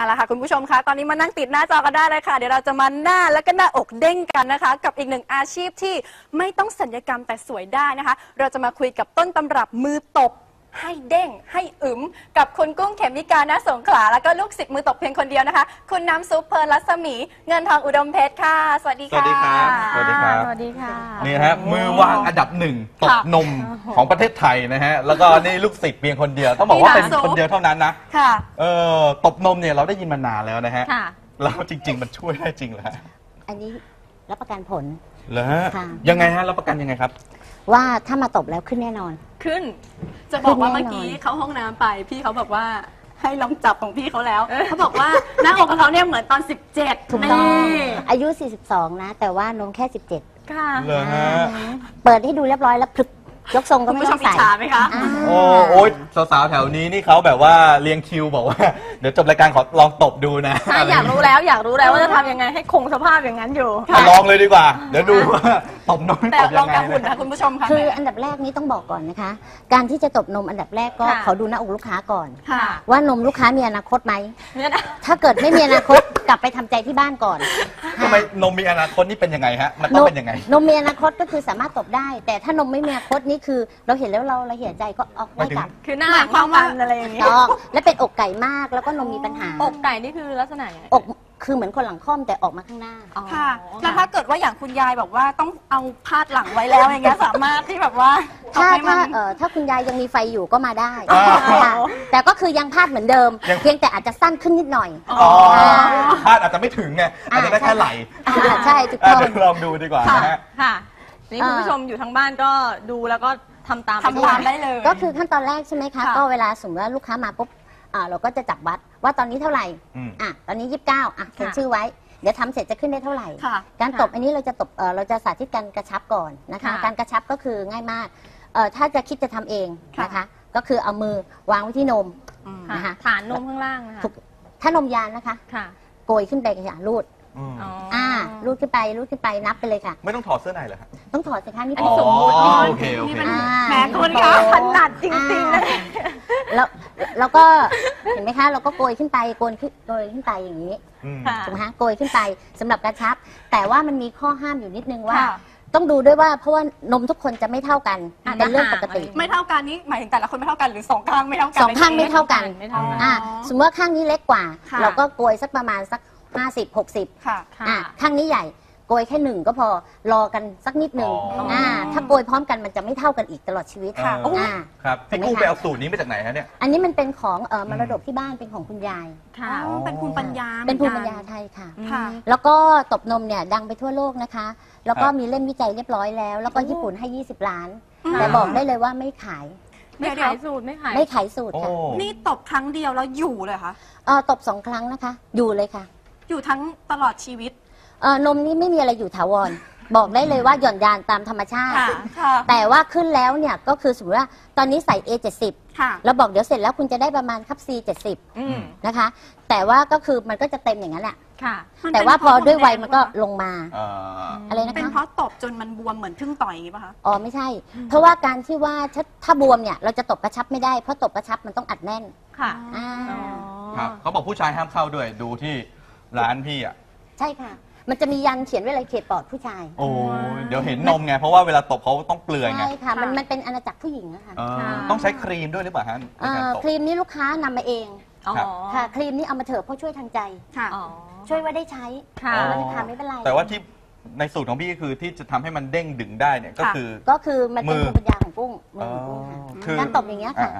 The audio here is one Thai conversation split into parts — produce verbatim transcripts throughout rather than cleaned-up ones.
เอาละค่ะคุณผู้ชมคะตอนนี้มานั่งติดหน้าจอกันได้เลยค่ะเดี๋ยวเราจะมาหน้าและก็หน้าอกเด้งกันนะคะกับอีกหนึ่งอาชีพที่ไม่ต้องศัลยกรรมแต่สวยได้นะคะเราจะมาคุยกับต้นตำรับมือตบให้เด้งให้อึมกับคุณกุ้งเขมิกาณสงขลาแล้วก็ลูกศิษย์มือตบเพียงคนเดียวนะคะคุณน้ำซุปเพลินรัศมีเงินทองอุดมเพชรค่ะสวัสดีค่ะสวัสดีครับสวัสดีครับสวัสดีค่ะนี่ฮะมือวางอันดับหนึ่งตบนมของประเทศไทยนะฮะแล้วก็นี่ลูกศิษย์เพียงคนเดียวต้องบอกว่าเป็นคนเดียวเท่านั้นนะค่ะเออตบนมเนี่ยเราได้ยินมานานแล้วนะฮะค่ะแล้วจริง ๆ มันช่วยได้จริงเหรอฮะอันนี้รับประกันผลเหรอฮะค่ะยังไงฮะรับประกันยังไงครับว่าถ้ามาตบแล้วขึ้นแน่นอนขึ้นจะบอกว่าเมื่อกี้เข้าห้องน้ำไปพี่เขาบอกว่าให้ลองจับของพี่เขาแล้วเขาบอกว่าหน้าอกของเขาเนี่ยเหมือนตอนสิบเจ็ดถูกต้องอายุสี่สิบสองนะแต่ว่านมแค่สิบเจ็ดค่ะเหรอฮะเปิดให้ดูเรียบร้อยแล้วพลึกยกทรงก็ไม่ต้องใส่อิจฉาไหมคะโอ้โอ๊ยสาวๆแถวนี้นี่เขาแบบว่าเรียงคิวบอกว่าเดี๋ยวจบรายการขอลองตบดูนะใช่อยากรู้แล้วอยากรู้แล้วว่าจะทำยังไงให้คงสภาพอย่างนั้นอยู่ลองเลยดีกว่าเดี๋ยวดูว่าตบนมแต่ตบลยัองงไงกับหุ่นนะคุณผู้ชมค่ะคืออันดับแรกนี้ต้องบอกก่อนนะคะการที่จะตบนมอันดับแรกก็ขอดูหน้าอกลูกค้าก่อนว่านมลูกค้ามีอนาคตไหมถ้าเกิดไม่มีอนาคตกลับไปทำใจที่บ้านก่อนทำไมนมมีอนาคตนี่เป็นยังไงฮะมันต้องเป็นยังไงนมมีอนาคตก็คือสามารถตบได้แต่ถ้านมไม่มีอนาคตนี่คือเราเห็นแล้วเราเราเหี่ยใจก็ออกไม่กลับคือหน้าหลังความกันอะไรอย่างนี้ต้องและเป็นอกไก่มากแล้วก็นมมีปัญหาอกไก่นี่คือลักษณะยังไงอกคือเหมือนคนหลังค่อมแต่ออกมาข้างหน้าค่ะแล้วถ้าเกิดว่าอย่างคุณยายบอกว่าต้องเอาพาดหลังไว้แล้วอย่างเงี้ยสามารถที่แบบว่าถ้าถ้าเอ่อถ้าคุณยายยังมีไฟอยู่ก็มาได้ค่ะแต่ก็คือยังพาดเหมือนเดิมเพียงแต่อาจจะสั้นขึ้นนิดหน่อยอ๋อพาดอาจจะไม่ถึงไงอาจจะได้แค่ไหลใช่ถูกต้องลองดูดีกว่านะฮะค่ะนี่คุณผู้ชมอยู่ทางบ้านก็ดูแล้วก็ทำตามทำตามได้เลยก็คือขั้นตอนแรกใช่ไหมคะก็เวลาสมมติว่าลูกค้ามาปุ๊บเราก็จะจับวัดว่าตอนนี้เท่าไหร่อ่ะตอนนี้ยี่สิบเก้าอ่ะเขียนชื่อไว้เดี๋ยวทำเสร็จจะขึ้นได้เท่าไหร่การตบอันนี้เราจะตบเราจะสาธิตการกระชับก่อนนะคะการกระชับก็คือง่ายมากถ้าจะคิดจะทำเองนะคะก็คือเอามือวางไว้ที่นมนะคะฐานนมข้างล่างนะคะถ้านมยานนะคะโกยขึ้นไปค่ะรูดอ่ารูดขึ้นไปรูดขึ้นไปนับไปเลยค่ะไม่ต้องถอดเสื้อในเหรอคะต้องถอดสิคะนี่เป็นสมมติโอเคโอเคแหมคุณคะขนาดจริงๆเลยแล้วแล้วก็เห็นไหมคะเราก็โกยขึ้นไปโกยขึ้นโกยขึ้นไปอย่างนี้ถูกไหมคะโกยขึ้นไปสำหรับกระชับแต่ว่ามันมีข้อห้ามอยู่นิดนึงว่าต้องดูด้วยว่าเพราะว่านมทุกคนจะไม่เท่ากันเป็นเรื่องปกติไม่เท่ากันนี่หมายถึงแต่ละคนไม่เท่ากันหรือสองข้างไม่เท่ากันสองข้างไม่เท่ากันอ่าสมมติว่าข้างนี้เล็กกว่าเราก็โกยสักประมาณสักห้าสิบ หกสิบค่ะอ่าข้างนี้ใหญ่โกยแค่หนึ่งก็พอรอกันสักนิดหนึ่งอ่าถ้าโกยพร้อมกันมันจะไม่เท่ากันอีกตลอดชีวิตค่ะอ่าครับพี่กุ้งไปเอาสูตรนี้มาจากไหนฮะเนี่ยอันนี้มันเป็นของเอ่อมรดกที่บ้านเป็นของคุณยายค่ะเป็นภูมิปัญญาเป็นภูมิปัญญาไทยค่ะแล้วก็ตบนมเนี่ยดังไปทั่วโลกนะคะแล้วก็มีเล่มวิจัยเรียบร้อยแล้วแล้วก็ญี่ปุ่นให้ยี่สิบล้านแต่บอกได้เลยว่าไม่ขายไม่ขายสูตรไม่ขายไม่ขายสูตรค่ะนี่ตบครั้งเดียวแล้วอยู่เลยคะเออตบสองครั้งนะคะอยู่เลยค่ะอยู่ทั้งตลอดชีวิตเออนมนี่ไม่มีอะไรอยู่ถาวรบอกได้เลยว่าหย่อนยานตามธรรมชาติแต่ว่าขึ้นแล้วเนี่ยก็คือสมมติว่าตอนนี้ใส่ เอ เจ็ดสิบ แล้วบอกเดี๋ยวเสร็จแล้วคุณจะได้ประมาณครับ ซี เจ็ดสิบนะคะแต่ว่าก็คือมันก็จะเต็มอย่างนั้นแหละแต่ว่าพอด้วยวัยมันก็ลงมาอะไรนะคะเป็นเพราะตบจนมันบวมเหมือนพึ่งต่อยอย่างนี้ป่ะคะอ๋อไม่ใช่เพราะว่าการที่ว่าถ้าถ้าบวมเนี่ยเราจะตบกระชับไม่ได้เพราะตบกระชับมันต้องอัดแน่นค่ะครับเขาบอกผู้ชายห้ามเข้าด้วยดูที่ร้านพี่อ่ะใช่ค่ะมันจะมียันเขียนไว้เลยเขตปลอดผู้ชายโอ้เดี๋ยวเห็นนมไงเพราะว่าเวลาตบเขาต้องเปลือยไงใช่ค่ะมันมันเป็นอาณาจักรผู้หญิงอะค่ะต้องใช้ครีมด้วยหรือเปล่าฮะครีมนี้ลูกค้านำมาเองค่ะครีมนี้เอามาเถอะเพราะช่วยทางใจช่วยว่าได้ใช้ค่ะไม่เป็นไรแต่ว่าที่ในสูตรของพี่คือที่จะทำให้มันเด้งดึงได้เนี่ยก็คือก็คือมันเป็นภูมิปัญญาของกุ้งมือกุ้งค่ะการตบอย่างเงี้ยค่ะ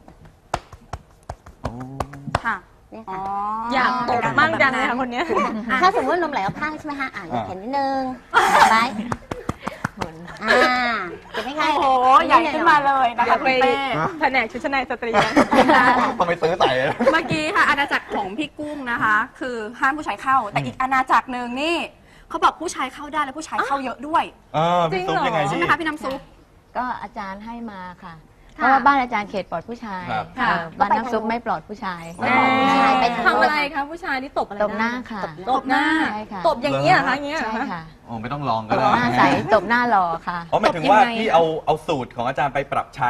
ค่ะอยากตบมั่งจังเลยค่ะคนนี้ถ้าสมมตินมไหลออกข้างใช่ไหมฮะอ่ะอยากเห็นนิดนึงไปอ่าเห็นไหมคะโอ้โหใหญ่ขึ้นมาเลยนะคะคุณเป้แผนกชุดชั้นในสตรีต้องไปซื้อใส่เมื่อกี้ค่ะอาณาจักรของพี่กุ้งนะคะคือห้ามผู้ชายเข้าแต่อีกอาณาจักรหนึ่งนี่เขาบอกผู้ชายเข้าได้และผู้ชายเข้าเยอะด้วยจริงเหรอใช่ไหมคะพี่น้ำซุปก็อาจารย์ให้มาค่ะเพราะว่าบ้านอาจารย์เขตปลอดผู้ชายบ้านน้ำซุปไม่ปลอดผู้ชายไปทำอะไรคะผู้ชายนี่ตบอะไรตบหน้าค่ะตบหน้าตบอย่างนี้เหรอคะอย่างนี้ใช่ค่ะโอ้ไม่ต้องลองก็ได้หน้าใสตบหน้าหล่อค่ะอ๋อหมายถึงว่าที่เอาเอาสูตรของอาจารย์ไปปรับใช้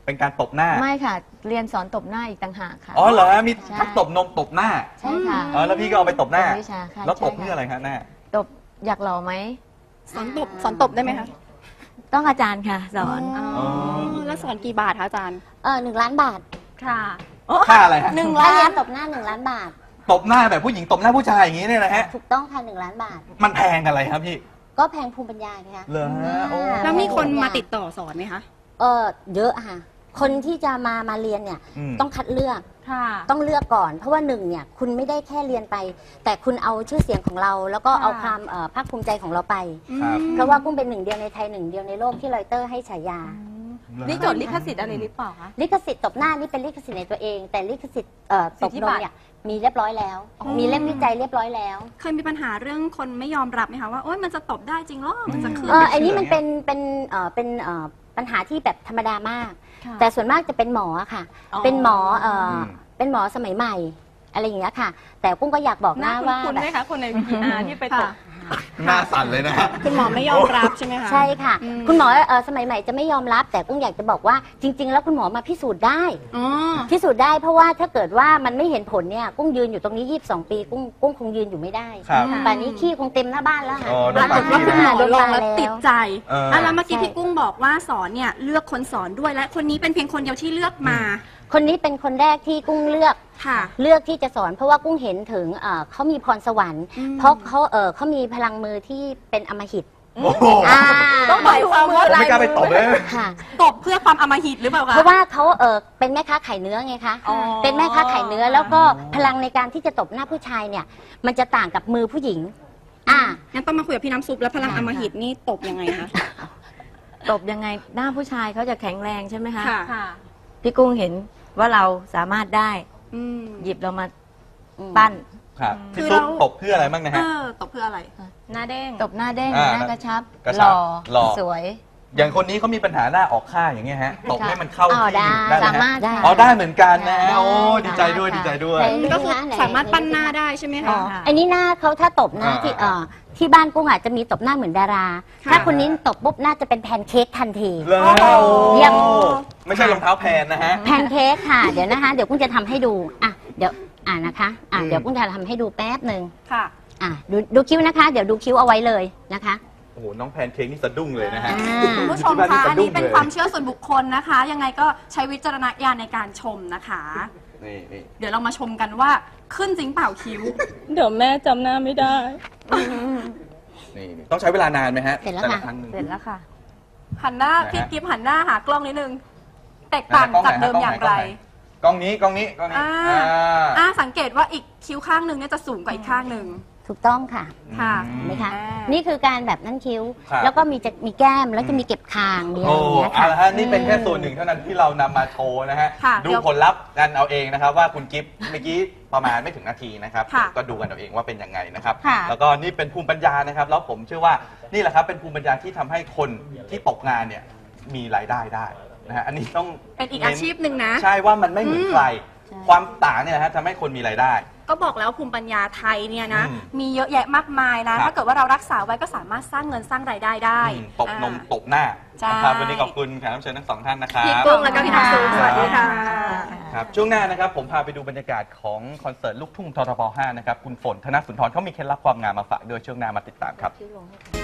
เป็นการตบหน้าไม่ค่ะ เรียนสอนตบหน้าอีกต่างหากค่ะอ๋อเหรอฮะมีใช่ทั้งตบนมตบหน้าใช่ค่ะอ๋อแล้วพี่ก็เอาไปตบหน้าเป็นวิชาค่ะแล้วตบใช่ค่ะเพื่ออะไรคะหน้าตบอยากหล่อไหมสอนตบสอนตบได้ไหมคะต้องอาจารย์ค่ะ สอนอ๋อแล้วสอนกี่บาทคะอาจารย์เออหนึ่งล้านบาทค่ะค่าอะไรฮะหนึ่งถ้าล้าเรียนนตบหน้าหนึ่งล้านบาทตบหน้าแบบผู้หญิงตบหน้าผู้ชายอย่างนี้เนี่ยนะฮะถูกต้องค่ะหนึ่งล้านบาทมันแพงอะไรครับพี่ก็แพงภูมิปัญญาไงคะเหรอฮะโอ้แล้วมีคนมาติดต่อสอนไหมคะเออเยอะค่ะ คนที่จะมามาเรียนเนี่ยมต้องคัดเลือกค่ะต้องเลือกก่อน เพราะว่าหนึ่งเนี่ยคุณไม่ได้แค่เรียนไป แต่คุณเอาชื่อเสียงของเรา แล้วก็เอาความเอ่อภาคภูมิใจของเราไปครับเพราะว่ากุ้งเป็นหนึ่งเดียวในไทยหนึ่งเดียวในโลกที่รอยเตอร์ให้ฉายานี่จดลิขสิทธิ์อะไรหรือเปล่าคะลิขสิทธิ์ตบหน้านี่เป็นลิขสิทธิ์ในตัวเอง แต่ลิขสิทธิ์เอ่อตบนมเนี่ยมีเรียบร้อยแล้ว มีเล่มวิจัยเรียบร้อยแล้วเคยมีปัญหาเรื่องคนไม่ยอมรับไหมคะว่าโอ๊ยมันจะตบได้จริงเหรอมันจะขึ้นเอออันนี้มันเป็นเป็นเอ่อเป็นเอ่อปัญหาที่แบบธรรมดามาก แต่ส่วนมากจะเป็นหมอค่ะอ๋อเป็นหมอเอ่ออมเป็นหมอสมัยใหม่ อะไรอย่างเงี้ยค่ะ แต่กุ้งก็อยากบอกหน้านะว่าคุณแบไหมบคะคนในวีทีอาร์ที่ไปตบหน้าสั่นเลยนะฮะคุณหมอไม่ยอมรับใช่ไหมคะใช่ค่ะอืมคุณหมอเอ่อสมัยใหม่จะไม่ยอมรับ แต่กุ้งอยากจะบอกว่าจริง ๆ แล้วคุณหมอมาพิสูจน์ได้อ๋อพิสูจน์ได้เพราะว่าถ้าเกิดว่ามันไม่เห็นผลเนี่ยกุ้งยืนอยู่ตรงนี้ยี่สิบสองปีกุ้งกุ้งคงยืนอยู่ไม่ได้ครับป่านนี้ขี้คงเต็มหน้าบ้านแล้วค่ะอ๋อโดปนรากฏว่าคุณหมอลงแล้วติดใจเอออ่ะแล้วเมื่อกี้ใช่พี่กุ้งบอกว่าสอนเนี่ยเลือกคนสอนด้วยและคนนี้เป็นเพียงคนเดียวที่เลือกมาคนนี้เป็นคนแรกที่กุ้งเลือกค่ะเลือกที่จะสอน เพราะว่ากุ้งเห็นถึงเอ่อเขามีพรสวรรค์อืมเพราะเขาเออเขามีพลังมือที่เป็นอำมหิตโอ้โหอ่าต้องหมายความว่าผมไม่กล้าไปตบเลยค่ะตบเพื่อความอำมหิตหรือเปล่าคะเพราะว่าเขาเออเป็นแม่ค้าขายเนื้อไงคะอ๋อเป็นแม่ค้าขายเนื้อแล้วก็พลังในการที่จะตบหน้าผู้ชายเนี่ย มันจะต่างกับมือผู้หญิง อ่างั้นต้องมาคุยกับพี่น้ำซุปแล้วพลังอำมหิตนี่ตบยังไงคะตบยังไงหน้าผู้ชายเขาจะแข็งแรงใช่ไหมคะค่ะค่ะพี่กุ้งเห็นว่าเราสามารถได้อืมหยิบเรามาอืมปั้นครับคืพี่อซุปเราตบเพื่ออะไรบ้างนะเอฮะอตบเพื่ออะไรหน้าเด้งตบหน้าเด้งอ่าหน้ากระชับกระหชับล่อหล่อสวยอย่างคนนี้เขามีปัญหาหน้าออกข้างอย่างเงี้ยฮะ ตบให้มันเข้าอ๋อที่ได้ได้ไหมสามารฮะถได้อ๋อได้เหมือนกันนะได้โอ้ดีใจด้วยได้ดีใจด้วยค่ะก็คือไหนสามารถปั้นหน้าได้ใช่ไหมอ๋อคะอันนี้หน้าเขาถ้าตบนะอ่าที่เอ่อที่บ้านกุ้งอาจจะมีตบหน้าเหมือนดาราค่ะถ้าคนนี้ตบปุ๊บน่าจะเป็นแพนเค้กทันทีเลยเยี่ยมไม่ใช่รองเท้าแพนนะฮะแพนเค้กค่ะ เดี๋ยวนะคะ เดี๋ยวกุ้งจะทำให้ดู อ่ะ เดี๋ยว อ่านะคะ อ่ะอืมเดี๋ยวกุ้งจะทำให้ดูแป๊บหนึ่งค่ะอ่ะ ดูดูคิ้วนะคะ เดี๋ยวดูคิ้วเอาไว้เลยนะคะโอ้โหน้องแพนเค้กนี่สะดุ้งเลยนะฮะอ่าคุณผู้ชมที่บ้านนี่คะสะอันดุ้นี้งเป็นเลยความเชื่อส่วนบุคคลนะคะ ยังไงก็ใช้วิจารณญาณในการชมนะคะนี่นี่เดี๋ยวเรามาชมกันว่าขึ้นจริงเปล่าคิ้วเดี๋ยวแม่จำหน้าไม่ได้นี่นี่ต้องใช้เวลานานไหมฮะเสร็จแล้วแต่ละค่ะครั้งหนึ่งเสร็จแล้วค่ะหันหน้าไหนฮะพี่กิฟหันหน้าหากล้องนิดนึง แตกต่างไหนฮะจากเดิมอย่างไรกล้องนี้กล้องนี้กล้องนี้อ่าอ่าอ่าสังเกตว่าอีกคิ้วข้างหนึ่งเนี่ยจะสูงกว่าอีกข้างหนึ่งถูกต้องค่ะค่ะอืมเห็นไหมคะอ่านี่คือการแบบนั่นคิ้วครับแล้วก็มีจะมีแก้ม แล้วจะมีเก็บคาง มีอะไรโอ้อย่างเงี้ยเอาค่ะละฮะนี่เป็นแค่ส่วนหนึ่งเท่านั้นที่เรานำมาโชว์นะฮะค่ะดูเดี๋ยวผลลัพธ์กันเอาเองนะครับ ว่าคุณกิฟต์เมื่อกี้ประมาณไม่ถึงนาทีนะครับค่ะก็ดูกันเอาเองว่าเป็นยังไงนะครับค่ะแล้วก็นี่เป็นภูมิปัญญานะครับ แล้วผมเชื่อว่านี่แหละครับเป็นภูมิปัญญาที่ทำให้คนที่ตกงานเนี่ยมีรายได้ได้นะฮะอันนี้ต้องเป็นอีกอาชีพหนึ่งนะใช่ว่ามันไม่เหมือนอืมใคร ความต่างเนี่ยนะฮะทำให้คนมีรายได้ก็บอกแล้วภูมิปัญญาไทยเนี่ยนะอืมมีเยอะแยะมากมายนะครับถ้าเกิดว่าเรารักษาไว้ก็สามารถสร้างเงินสร้างรายได้ได้อืมตบนมอ่าตบหน้าใช่นะครับวันนี้ขอบคุณแขกรับเชิญทั้งสองท่านนะครับพี่กุ้งแล้วก็พี่น้ำซุปสวัสดีค่ะครับช่วงหน้านะครับผมพาไปดูบรรยากาศของคอนเสิร์ตลูกทุ่งททบห้านะครับคุณฝนธนสุนทรเขามีเคล็ดลับความงามมาฝากด้วยช่วงหน้ามาติดตามครับ